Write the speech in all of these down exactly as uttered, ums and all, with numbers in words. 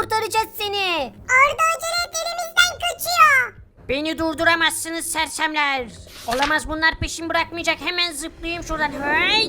kurtaracağız seni. Arda acele et, elimizden kaçıyor. Beni durduramazsınız sersemler. Olamaz, bunlar peşimi bırakmayacak. Hemen zıplayayım şuradan. Hey!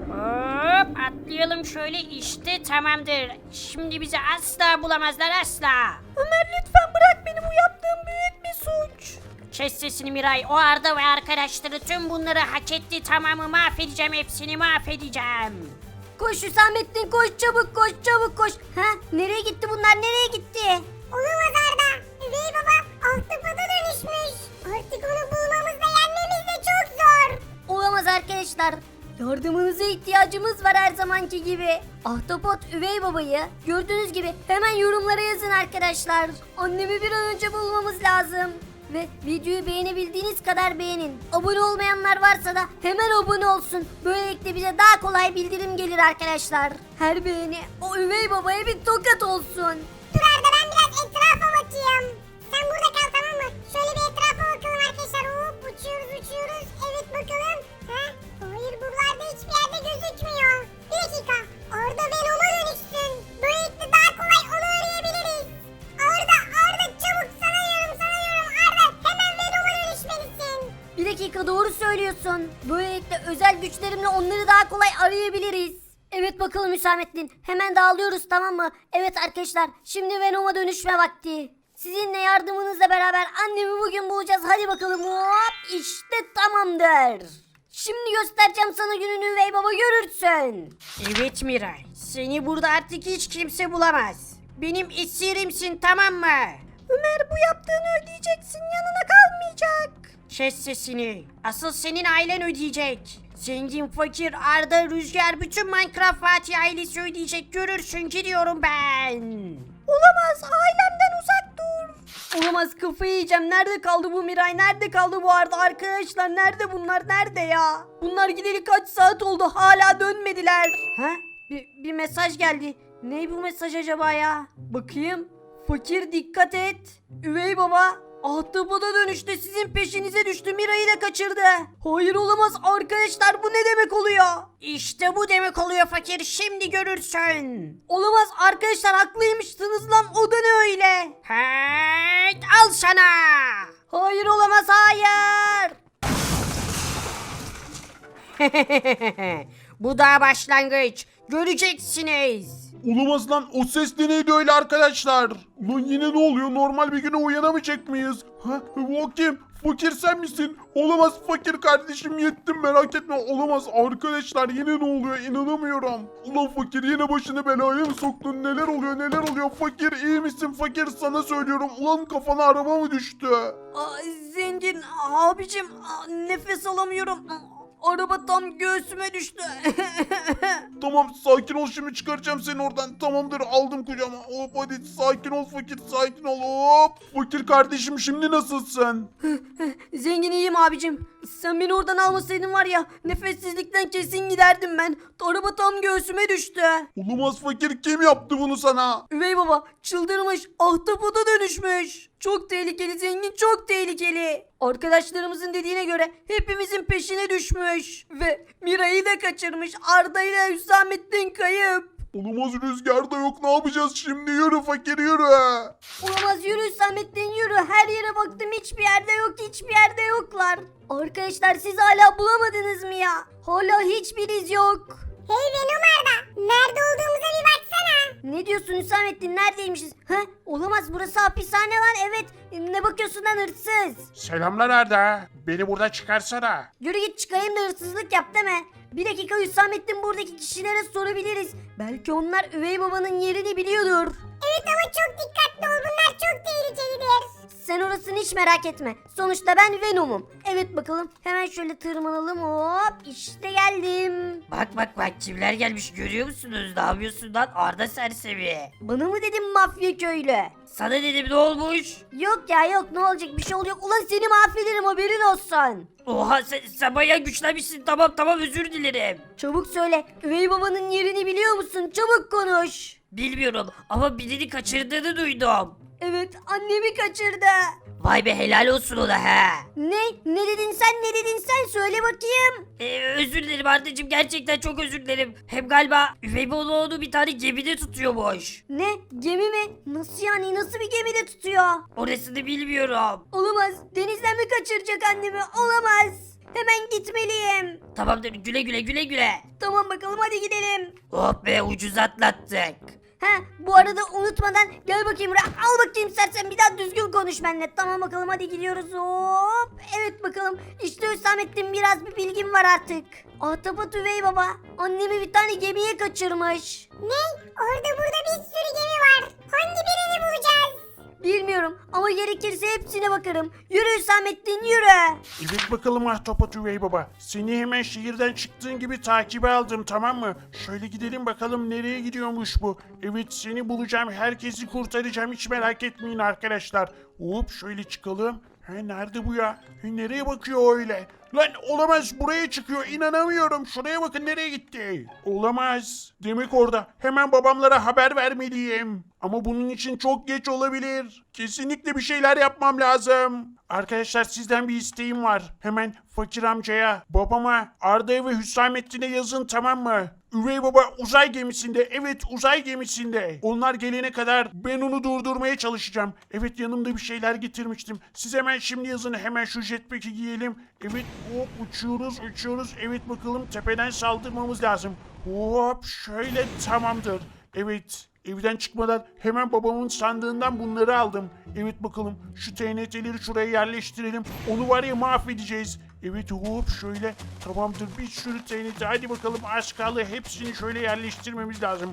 Hop, atlayalım şöyle, işte tamamdır. Şimdi bizi asla bulamazlar, asla. Ömer lütfen bırak beni, bu yaptığım büyük bir suç. Kes sesini Miray. O Arda ve arkadaşları tüm bunları hak etti. Tamamı mahvedeceğim, hepsini mahvedeceğim. Koş Hüsamettin, koş çabuk, koş çabuk, koş. Ha, nereye gitti bunlar, nereye gitti? Olamaz Arda. Üvey baba ahtapota dönüşmüş. Artık onu bulmamız da yenmemiz de çok zor. Olamaz arkadaşlar. Yardımınıza ihtiyacımız var her zamanki gibi. Ahtapot üvey babayı gördüğünüz gibi hemen yorumlara yazın arkadaşlar. Annemi bir an önce bulmamız lazım. Ve videoyu beğenebildiğiniz kadar beğenin. Abone olmayanlar varsa da hemen abone olsun. Böylelikle bize daha kolay bildirim gelir arkadaşlar. Her beğeni o üvey babaya bir tokat olsun. Dur Arda, ben biraz etrafa bakayım. Sen burada kal, tamam mı? Şöyle bir etrafa bakalım arkadaşlar. Hop, uçuyoruz uçuyoruz. Evet bakalım. Ha? Hayır, buralarda hiçbir yerde gözükmüyor. Bir dakika. Arda Venom'a dönüşsün. Böylelikle daha kolay onu arayabiliriz. Arda Arda çabuk, sana diyorum sana diyorum. Arda hemen Venom'a dönüşmelisin. Bir dakika, doğru söylüyorsun. Böylelikle özel güçlerimle onları daha kolay arayabiliriz. Evet bakalım Hüsamettin. Hemen dağılıyoruz, tamam mı? Evet arkadaşlar, şimdi Venom'a dönüşme vakti. Sizinle yardımınızla beraber annemi bugün bulacağız. Hadi bakalım, hop, işte tamamdır. Şimdi göstereceğim sana gününü üvey baba, görürsün. Evet Miray. Seni burada artık hiç kimse bulamaz. Benim esirimsin, tamam mı? Ömer, bu yaptığını ödeyeceksin, yanına kalmayacak. Kes sesini. Asıl senin ailen ödeyecek. Zengin, fakir, Arda, Rüzgar, bütün Minecraft Fatih ailesi ödeyecek. Görürsün, gidiyorum ben. Olamaz, ailemden uzak dur. Olamaz, kafayı yiyeceğim. Nerede kaldı bu Miray? Nerede kaldı bu Arda? Arkadaşlar nerede bunlar? Nerede ya? Bunlar gideli kaç saat oldu? Hala dönmediler. Ha? Bir, bir mesaj geldi. Ne bu mesaj acaba ya? Bakayım. Fakir dikkat et. Üvey baba ahtapota dönüştü, sizin peşinize düştü, Miray'ı da kaçırdı. Hayır, olamaz arkadaşlar, bu ne demek oluyor? İşte bu demek oluyor fakir, şimdi görürsün. Olamaz arkadaşlar, haklıymışsınız lan, o da ne öyle? Hey, al sana. Hayır, olamaz, hayır. Bu daha başlangıç. Göreceksiniz. Olamaz lan, o ses de neydi öyle arkadaşlar? Ulan yine ne oluyor, normal bir güne uyanamayacak mıyız? Ha, o kim? Fakir sen misin? Olamaz fakir kardeşim, yettim, merak etme. Olamaz arkadaşlar, yine ne oluyor, inanamıyorum. Ulan fakir, yine başını belaya mı soktun? Neler oluyor, neler oluyor? Fakir iyi misin fakir, sana söylüyorum. Ulan kafana araba mı düştü? Aa, zengin abicim, aa, nefes alamıyorum. Araba tam göğsüme düştü. Tamam sakin ol, şimdi çıkaracağım seni oradan. Tamamdır, aldım kucağıma. Hop hadi sakin ol fakir, sakin ol. Hop. Fakir kardeşim, şimdi nasılsın? Zengin iyiyim abicim. Sen beni oradan almasaydın var ya, nefessizlikten kesin giderdim ben. Araba tam göğsüme düştü. Olamaz fakir, kim yaptı bunu sana? Üvey baba çıldırmış, ahtapota dönüşmüş. Çok tehlikeli zengin, çok tehlikeli. Arkadaşlarımızın dediğine göre hepimizin peşine düşmüş. Ve Mira'yı da kaçırmış. Arda ile Hüsamettin kayıp. Olamaz, rüzgar da yok, ne yapacağız şimdi? Yürü fakir, yürü. Olamaz, yürü Hüsamettin yürü. Her yere baktım, hiçbir yerde yok, hiçbir yerde yoklar. Arkadaşlar siz hala bulamadınız mı ya? Hala hiçbir iz yok. Hey Venom Arda, nerede olduğumuza bir baksana. Ne diyorsun Hüsamettin, neredeymişiz? Ha? Olamaz, burası hapishane lan, evet. Ne bakıyorsun lan hırsız? Selamlar Arda. Beni burada çıkarsana. Yürü git, çıkayım da hırsızlık yap deme. Bir dakika Hüsamettin, buradaki kişilere sorabiliriz. Belki onlar üvey babanın yerini biliyordur. Evet ama çok dikkatli ol, bunlar çok tehlikelidir. Sen orasını hiç merak etme. Sonuçta ben Venom'um. Evet bakalım, hemen şöyle tırmanalım, hop işte geldim. Bak bak bak, kimler gelmiş görüyor musunuz? Ne yapıyorsun lan Arda sersemi? Bana mı dedin mafya köylü? Sana dedim, ne olmuş? Yok ya yok, ne olacak, bir şey oluyor. Ulan seni mahvederim, haberin olsun. Oha, sen, sen bayağı güçlenmişsin. Tamam tamam, özür dilerim. Çabuk söyle, üvey babanın yerini biliyor musun? Çabuk konuş. Bilmiyorum ama birini kaçırdığını duydum. Evet annemi kaçırdı. Vay be helal olsun o da he. Ne? Ne dedin sen ne dedin sen söyle bakayım. Ee, özür dilerim Arda'cığım gerçekten çok özür dilerim. Hem galiba üvey baba onu bir tane gemide tutuyormuş. Ne? Gemi mi? Nasıl yani nasıl bir gemide tutuyor? Orasını bilmiyorum. Olamaz. Denizden mi kaçıracak annemi? Olamaz. Hemen gitmeliyim. Tamamdır güle güle güle güle. Tamam bakalım hadi gidelim. Oh be ucuz atlattık. Ha bu arada unutmadan gel bakayım buraya al bakayım sersen bir daha düzgün konuş benimle. Tamam bakalım hadi gidiyoruz hop. Evet bakalım işte Hüsamettin biraz bir bilgim var artık. Ahtapot üvey baba annemi bir tane gemiye kaçırmış. Ne? Orada burada bir sürü gemi var. Hangi birini bulacağız? Bilmiyorum ama gerekirse hepsine bakarım. Yürü Hüsamettin yürü. Evet bakalım Ahtapot Üvey Baba. Seni hemen şehirden çıktığın gibi takibe aldım tamam mı? Şöyle gidelim bakalım nereye gidiyormuş bu. Evet seni bulacağım. Herkesi kurtaracağım. Hiç merak etmeyin arkadaşlar. Hop şöyle çıkalım. He nerede bu ya? He, nereye bakıyor öyle? Lan olamaz buraya çıkıyor inanamıyorum. Şuraya bakın nereye gitti. Olamaz. Demek orada. Hemen babamlara haber vermeliyim. Ama bunun için çok geç olabilir. Kesinlikle bir şeyler yapmam lazım. Arkadaşlar sizden bir isteğim var. Hemen fakir amcaya, babama, Arda'ya ve Hüsamettin'e yazın tamam mı? Üvey baba uzay gemisinde. Evet uzay gemisinde. Onlar gelene kadar ben onu durdurmaya çalışacağım. Evet yanımda bir şeyler getirmiştim. Siz hemen şimdi yazın. Hemen şu jetpack'i giyelim. Evet hop uçuyoruz uçuyoruz. Evet bakalım tepeden saldırmamız lazım. Hop şöyle tamamdır. Evet. Evden çıkmadan hemen babamın sandığından bunları aldım. Evet bakalım şu T N T'leri şuraya yerleştirelim. Onu var ya mahvedeceğiz. Evet hop şöyle tamamdır bir sürü T N T. Hadi bakalım az kaldı hepsini şöyle yerleştirmemiz lazım.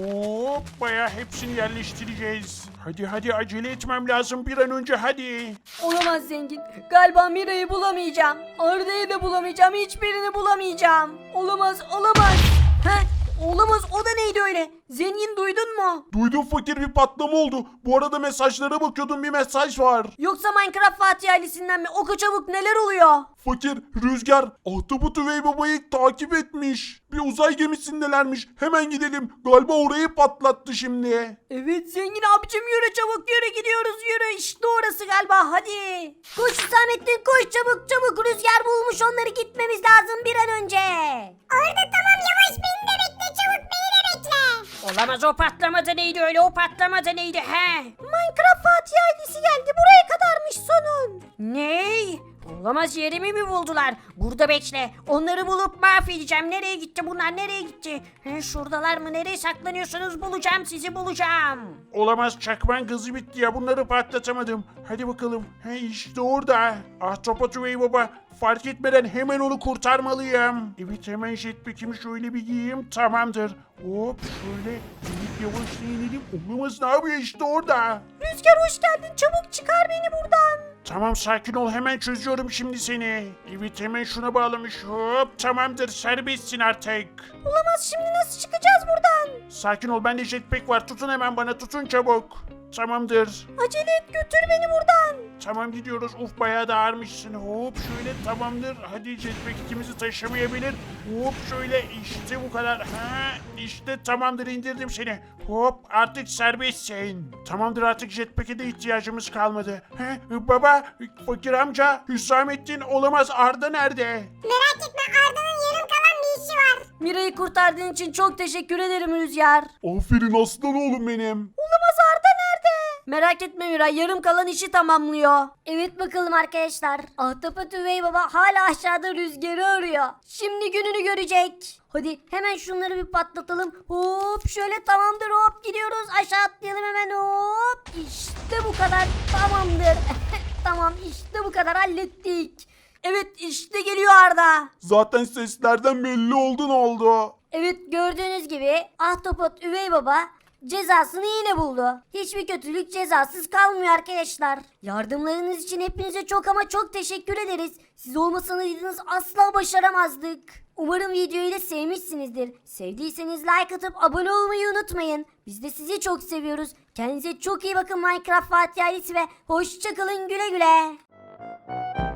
Hop bayağı hepsini yerleştireceğiz. Hadi hadi acele etmem lazım bir an önce hadi. Olamaz zengin. Galiba Mira'yı bulamayacağım. Arda'yı da bulamayacağım. Hiçbirini bulamayacağım. Olamaz olamaz. Heh. Olamaz o da neydi öyle? Zengin duydun mu? Duydum fakir bir patlama oldu. Bu arada mesajlara bakıyordum bir mesaj var. Yoksa Minecraft Fatih ailesinden mi? Oku çabuk neler oluyor? Fakir, Rüzgar, Ahtapot Üvey Baba'yı takip etmiş. Bir uzay gemisindelermiş. Hemen gidelim. Galiba orayı patlattı şimdi. Evet zengin abicim yürü çabuk yürü gidiyoruz yürü. İşte orası galiba hadi. Koş Hüsamettin koş çabuk çabuk. Rüzgar bulmuş onları gitmemiz lazım bir an önce. Orada tamam yavaş beni de bekle çabuk beni de bekle. Olamaz o patlamada neydi öyle o patlamada neydi he? Minecraft Fatih ailesi geldi buraya kadarmış sonun. Ne? Olamaz yerimi mi buldular? Burada bekle. Onları bulup mahvedeceğim. Nereye gitti bunlar? Nereye gitti? He, şuradalar mı? Nereye saklanıyorsunuz? Bulacağım sizi bulacağım. Olamaz çakman gazı bitti ya bunları patlatamadım. Hadi bakalım. He işte orada. Ahtapot Üvey Baba fark etmeden hemen onu kurtarmalıyım. Evet hemen jetpack'imi şöyle bir giyeyim tamamdır. Hop şöyle evet yavaşça inelim. Olamaz ne yapıyor işte orada. Rüzgar hoş geldin çabuk çıkar beni buradan. Tamam sakin ol hemen çözüyorum şimdi seni. Evet hemen şuna bağlamış. Hop tamamdır serbestsin artık. Olamaz şimdi nasıl çıkacağız buradan? Sakin ol bende jetpack var tutun hemen bana tutun çabuk. Tamamdır. Acele et götür beni buradan. Tamam gidiyoruz. Uf bayağı da ağırmışsın. Hop şöyle tamamdır. Hadi jetpack ikimizi taşımayabilir. Hop şöyle işte bu kadar. Ha işte tamamdır indirdim seni. Hop artık serbestsin. Tamamdır artık jetpack'e de ihtiyacımız kalmadı. He, baba fakir amca Hüsamettin olamaz Arda nerede? Merak etme Arda'nın yarım kalan bir işi var. Mira'yı kurtardığın için çok teşekkür ederim Rüzgar. Aferin aslan oğlum benim. Olamaz Arda nerede? Merak etme Miray yarım kalan işi tamamlıyor. Evet bakalım arkadaşlar. Ahtapot üvey baba hala aşağıda Rüzgar'ı arıyor. Şimdi gününü görecek. Hadi hemen şunları bir patlatalım. Hop şöyle tamamdır hop gidiyoruz. Aşağı atlayalım hemen hop. İşte bu kadar tamamdır. Tamam işte bu kadar hallettik. Evet işte geliyor Arda. Zaten seslerden belli oldu ne oldu. Evet gördüğünüz gibi Ahtapot üvey baba cezasını yine buldu. Hiçbir kötülük cezasız kalmıyor arkadaşlar. Yardımlarınız için hepinize çok ama çok teşekkür ederiz. Siz olmasaydınız asla başaramazdık. Umarım videoyu da sevmişsinizdir. Sevdiyseniz like atıp abone olmayı unutmayın. Biz de sizi çok seviyoruz. Kendinize çok iyi bakın Minecraft Fatih ailesi ve hoşçakalın güle güle.